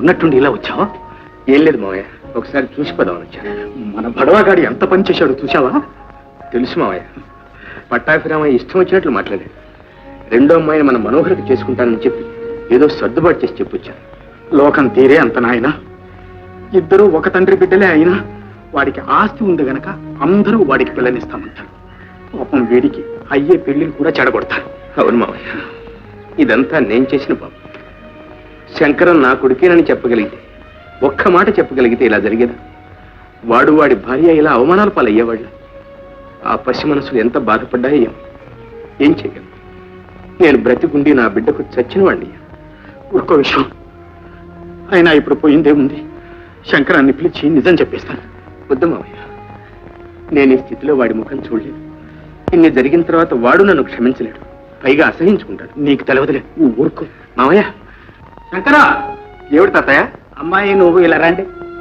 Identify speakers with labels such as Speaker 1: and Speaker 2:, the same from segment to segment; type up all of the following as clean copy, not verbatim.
Speaker 1: ఉన్నట్టుండి ఇలా వచ్చావా?
Speaker 2: ఏం లేదు మావయ్య, ఒకసారి చూసిపోదామని వచ్చాను.
Speaker 1: మన బడవాగాడి ఎంత పని చేశాడో చూసావా?
Speaker 2: తెలుసు మావయ్య, పట్టాభిరామయ్య ఇష్టం వచ్చినట్లు మాట్లాడాడు. రెండో అమ్మాయిని మన మనోహరికి చేసుకుంటానని చెప్పి ఏదో సర్దుబాటు చేసి చెప్పొచ్చాను.
Speaker 1: లోకం తీరే అంత నాయన. ఇద్దరూ ఒక తండ్రి బిడ్డలే అయినా వాడికి ఆస్తి ఉంది గనక అందరూ వాడికి పిల్లనిస్తామంటారు. పాపం వీడికి అయ్యే పెళ్లిని కూడా చెడగొడతారు.
Speaker 2: అవును మావయ్య, ఇదంతా నేను చేసిన పాపం. శంకరం నా కొడుకేనని చెప్పగలిగితే, ఒక్క మాట చెప్పగలిగితే ఇలా జరిగేదా? వాడు వాడి భార్య ఇలా అవమానాల పాలయ్యేవాళ్ళు. ఆ పసి మనసులు ఎంత బాధపడ్డాయో ఏం చేయగలను? నేను బ్రతికుండి నా బిడ్డకు చచ్చిన వాడిని.
Speaker 1: ఒక్క విషయం, అయినా ఇప్పుడు పోయిందేముంది? శంకరాన్ని పిలిచి నిజం చెప్పేస్తాను.
Speaker 2: వద్దు మావయ్య, నేను ఈ స్థితిలో వాడి ముఖం చూడలేదు. ఇన్ని జరిగిన తర్వాత వాడు నన్ను క్షమించలేడు, పైగా అసహించుకుంటాడు.
Speaker 1: నీకు తెలవదులే, నువ్వు ఊరుకో.
Speaker 2: మావయ్య.
Speaker 1: శంకరా!
Speaker 2: ఏమిటి తాతయ్య?
Speaker 1: అమ్మాయి నువ్వు ఇలా రండి.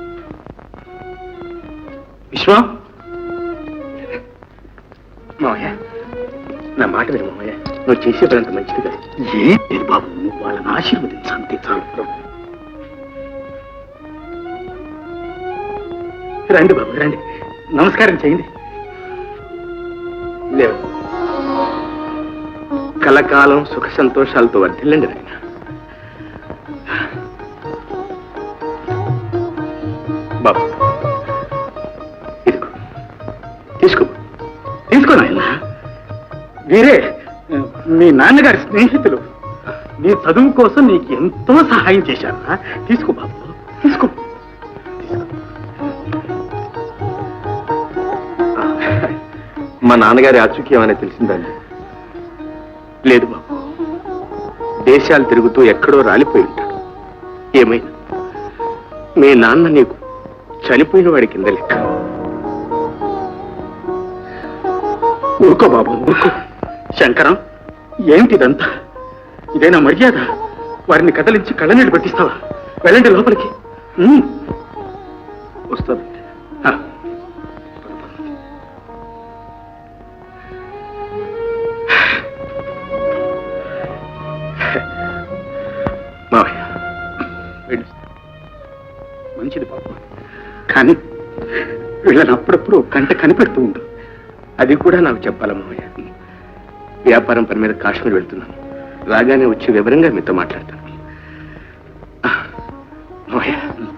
Speaker 1: విశ్వం,
Speaker 2: మావయ్య నా మాట విను మావయ్య, నువ్వు చేసే పని అంత మంచిది కాదు.
Speaker 1: ఏం లేదు బాబు, నువ్వు వాళ్ళని ఆశీర్వదించంతే చాలు. రండి బాబు రండి, నమస్కారం చేయండి.
Speaker 2: లేవు, కలకాలం సుఖ సంతోషాలతో వర్ధిల్లండి నాయన. బాబు ఇదిగో, తీసుకో.
Speaker 1: తీసుకో నాయన. వీరే మీ నాన్నగారి స్నేహితులు. నీ చదువు కోసం నీకు ఎంతో సహాయం చేశారా? తీసుకో బాబు, తీసుకో.
Speaker 2: మా నాన్నగారి ఆచూక్యం అనేది తెలిసిందండి? లేదు బాబు, దేశాలు తిరుగుతూ ఎక్కడో రాలిపోయి ఉంటాడు. ఏమైనా మీ నాన్న నీకు చనిపోయిన వాడి కింద లెక్క.
Speaker 1: ఊరుకో బాబు ఊరుకో. శంకరం, ఏమిటిదంతా? ఇదేనా మర్యాద? వారిని కదలించి కళ్ళనీళ్ళు పట్టిస్తావా? వెళ్ళండి లోపలికి.
Speaker 2: వస్తుంది.
Speaker 1: మంచిది బాబు, కానీ వీళ్ళని అప్పుడప్పుడు కంట కనిపెడుతూ ఉండు.
Speaker 2: అది కూడా నాకు చెప్పాలా మావయ్య? వ్యాపారం పని మీద కాశ్మీర్ వెళ్తున్నాను. రాగానే వచ్చి వివరంగా మీతో మాట్లాడతాను. మావయ్య,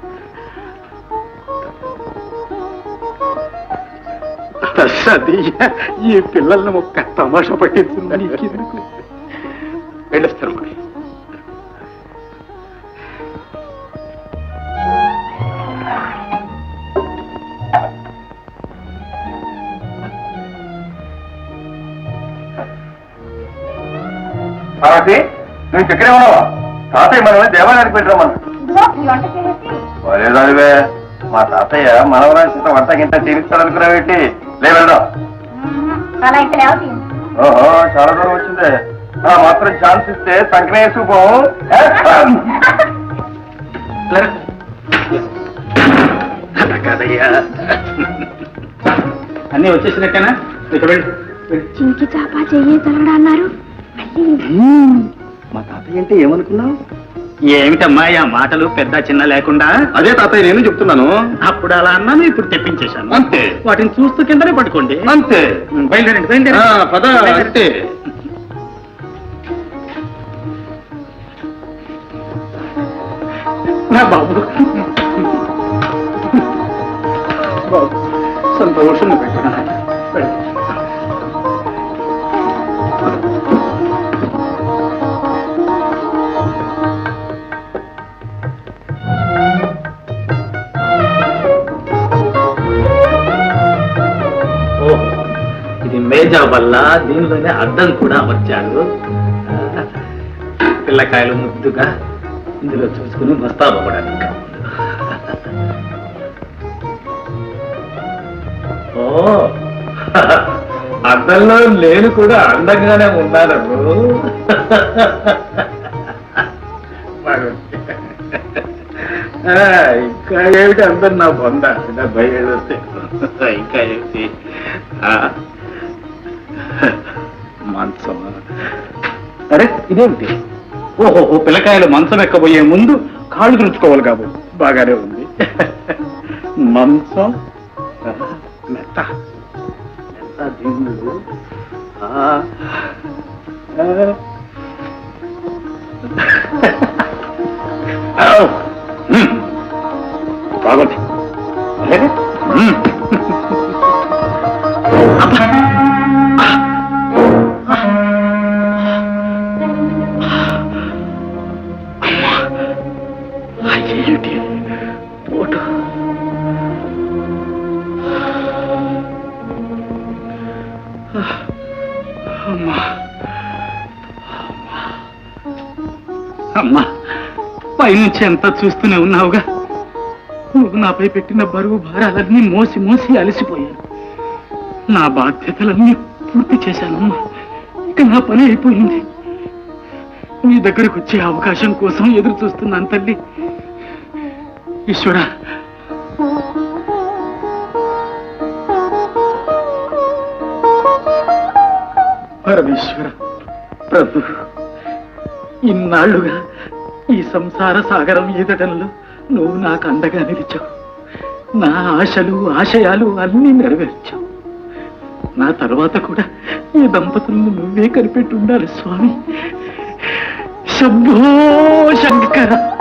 Speaker 1: ఈ పిల్లల్ని ఒక్క తమాషా పట్టించుందని
Speaker 2: వెళ్ళొస్తాను మావయ్య.
Speaker 3: నువ్వు చక్కరే ఉన్నావా? తాతయ్య మనమే దేవాలయానికి పెట్టిరమ్మన్నా. లేదానివే, మా తాతయ్య మనవరాజు వంట గింట తీరుస్తాడనుకున్నావేంటి? లేవెళ్దాం. ఓహో, చాలా దూరం వచ్చిందే. మాత్రం ఛాన్స్ ఇస్తే సంకనే వేసుకుపోం.
Speaker 1: కాదయ్యా, అన్నీ వచ్చేసినట్టేనా?
Speaker 4: చింకి చాపా చెయ్యి తలడా అన్నారు.
Speaker 2: మా తాతయ్య అంటే ఏమనుకున్నావు?
Speaker 1: ఏమిటమ్మా ఆ మాటలు పెద్ద చిన్న లేకుండా?
Speaker 2: అదే తాతయ్య నేను చెప్తున్నాను.
Speaker 1: అప్పుడు అలా అన్నాను, ఇప్పుడు తెప్పించేశాను.
Speaker 2: అంతే.
Speaker 1: వాటిని చూస్తూ కిందనే పట్టుకోండి.
Speaker 2: అంతే.
Speaker 1: బయలుదేరండి బయలుదేరండి.
Speaker 2: పద. అంతే.
Speaker 1: నా బాబు బాబు సంతోషంగా పెట్టుకున్నా. ఇది మేజా వల్ల దీనిలోనే అద్దం కూడా అమర్చాడు. పిల్లకాయలు ముద్దుగా ఇందులో చూసుకుని మస్తాబోవడానికి. ఓ, అద్దంలో నేను కూడా అందంగానే ఉన్నాను. ఇంకా ఏమిటి అందరు నా బొంద 70 ఏళ్ళు వస్తే ఇంకా ఏమిటి? మంచం. అరే ఇదేమిటి? ఓహో, పిల్లకాయలు మంచం ఎక్కబోయే ముందు కాళ్ళు తుడుచుకోవాలి కాబోలు బాగానే ఉంది. మంచం మెత్త మెత్త దిండు. బాగుంది. అయ్యేటి పోటు. అమ్మా, పైనుంచి ఎంత చూస్తూనే ఉన్నావుగా. నువ్వు నాపై పెట్టిన బరువు భారాలన్నీ మోసి మోసి అలసిపోయాను. నా బాధ్యతలన్నీ పూర్తి చేశానమ్మా. ఇక నా పని అయిపోయింది. నీ దగ్గరకు వచ్చే అవకాశం కోసం ఎదురు చూస్తున్నాను తల్లి. ఈశ్వర, పరమేశ్వర, ప్రభు, ఇన్నాళ్లుగా ఈ సంసార సాగరం ఈదటంలో నువ్వు నాకు అండగా నిలిచావు. నా ఆశలు ఆశయాలు అన్నీ నెరవేర్చావు. నా తర్వాత కూడా ఈ దంపతులను నువ్వే కనిపెట్టి ఉండాలి స్వామి. శంభో శంకర.